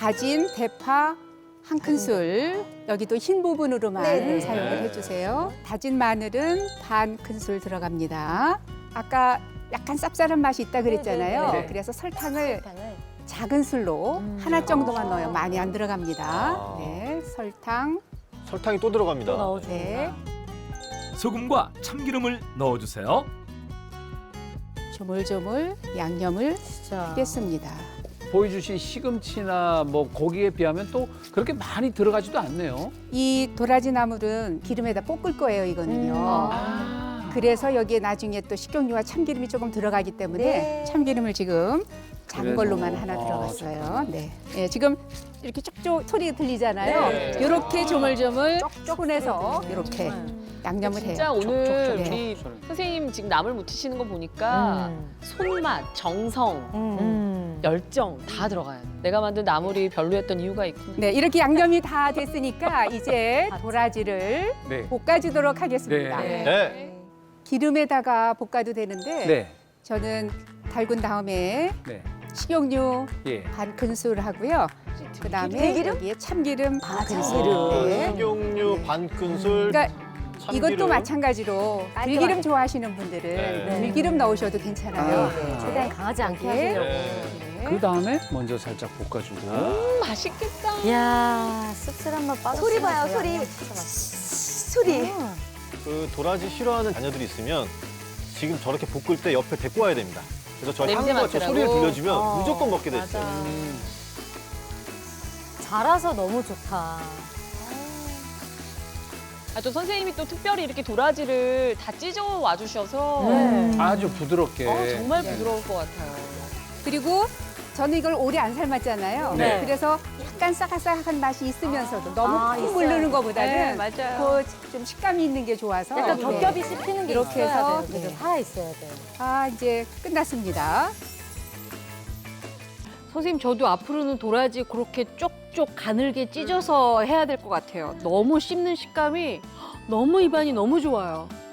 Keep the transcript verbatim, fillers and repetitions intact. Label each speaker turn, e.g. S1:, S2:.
S1: 다진 대파 한 큰술, 여기도 흰 부분으로만
S2: 네네.
S1: 사용을 해주세요. 다진 마늘은 반 큰술 들어갑니다. 아까 약간 쌉쌀한 맛이 있다 그랬잖아요.
S3: 네네네.
S1: 그래서 설탕을
S2: 설탕을.
S1: 작은 술로
S2: 음.
S1: 하나 정도만 넣어요. 많이 안 들어갑니다.
S3: 아.
S1: 네, 설탕.
S3: 설탕이 또 들어갑니다.
S2: 또 넣어주구나.
S1: 네.
S4: 소금과 참기름을 넣어주세요.
S1: 조물조물 양념을
S2: 진짜.
S1: 뺐습니다.
S5: 보여주신 시금치나 뭐 고기에 비하면 또 그렇게 많이 들어가지도 않네요.
S1: 이 도라지 나물은 기름에다 볶을 거예요, 이거는요.
S5: 아.
S1: 그래서 여기에 나중에 또 식용유와 참기름이 조금 들어가기 때문에
S2: 네.
S1: 참기름을 지금 작은
S5: 그래서.
S1: 걸로만 하나
S5: 아,
S1: 들어갔어요. 네. 네, 지금 이렇게 쪽쪽 소리 들리잖아요.
S3: 네.
S1: 이렇게 조물조물 손에서 이렇게 양념을 해요.
S6: 진짜 오늘
S1: 네.
S6: 우리 선생님 지금 나물 무치시는 거 보니까
S2: 음.
S6: 손맛, 정성,
S2: 음.
S6: 열정 다 들어가요. 내가 만든 나물이 별로였던 이유가 있구나.
S1: 네, 이렇게 양념이 다 됐으니까 이제 도라지를
S5: 네.
S1: 볶아주도록 하겠습니다.
S5: 네.
S3: 네.
S1: 기름에다가 볶아도 되는데
S5: 네.
S1: 저는 달군 다음에
S5: 네.
S1: 식용유
S5: 예.
S1: 반 큰술 하고요. 그다음에
S2: 들기름?
S1: 여기에 참기름 반
S2: 아,
S1: 큰술.
S2: 참기름.
S1: 네.
S3: 식용유 반 큰술.
S1: 그러니까
S3: 참기름.
S1: 이것도 마찬가지로
S2: 깔끔하게.
S1: 들기름 좋아하시는 분들은
S3: 네.
S1: 들기름 넣으셔도 괜찮아요.
S5: 아.
S1: 네.
S2: 최대한 강하지 않게
S1: 네.
S2: 하시려고.
S3: 네.
S5: 그 다음에 먼저 살짝 볶아주고.
S6: 음, 맛있겠다.
S2: 이야, 씁쓸한 맛 빠졌어.
S7: 소리 봐요, 소리. 소리.
S3: 그 도라지 싫어하는 자녀들이 있으면 지금 저렇게 볶을 때 옆에 데리고 와야 됩니다. 그래서 저
S6: 냄새
S3: 향과 저
S6: 맡으라고?
S3: 소리를 들려주면
S2: 어,
S3: 무조건 먹게 돼 있어요.
S6: 맞아.
S5: 음.
S2: 자라서 너무 좋다.
S6: 아, 또 선생님이 또 특별히 이렇게 도라지를 다 찢어 와주셔서
S2: 네.
S5: 아주 부드럽게.
S6: 어, 정말
S1: 네.
S6: 부드러울 것 같아요.
S1: 그리고 저는 이걸 오래 안 삶았잖아요.
S5: 네.
S1: 그래서 약간 싸각싸각한 맛이 있으면서도 너무
S2: 아,
S1: 푹
S2: 있어요.
S1: 물르는
S6: 네,
S1: 거보다는
S6: 맞아요.
S1: 그 좀 식감이 있는 게 좋아서
S2: 약간
S1: 네.
S2: 겹겹이 씹히는 게
S1: 이렇게
S2: 있어야
S1: 해서,
S2: 돼요. 그죠?
S1: 네.
S2: 살아있어야 돼요.
S1: 아, 이제 끝났습니다.
S8: 선생님, 저도 앞으로는 도라지 그렇게 쪽쪽 가늘게 찢어서 해야 될 것 같아요. 너무 씹는 식감이 너무 입안이 너무 좋아요.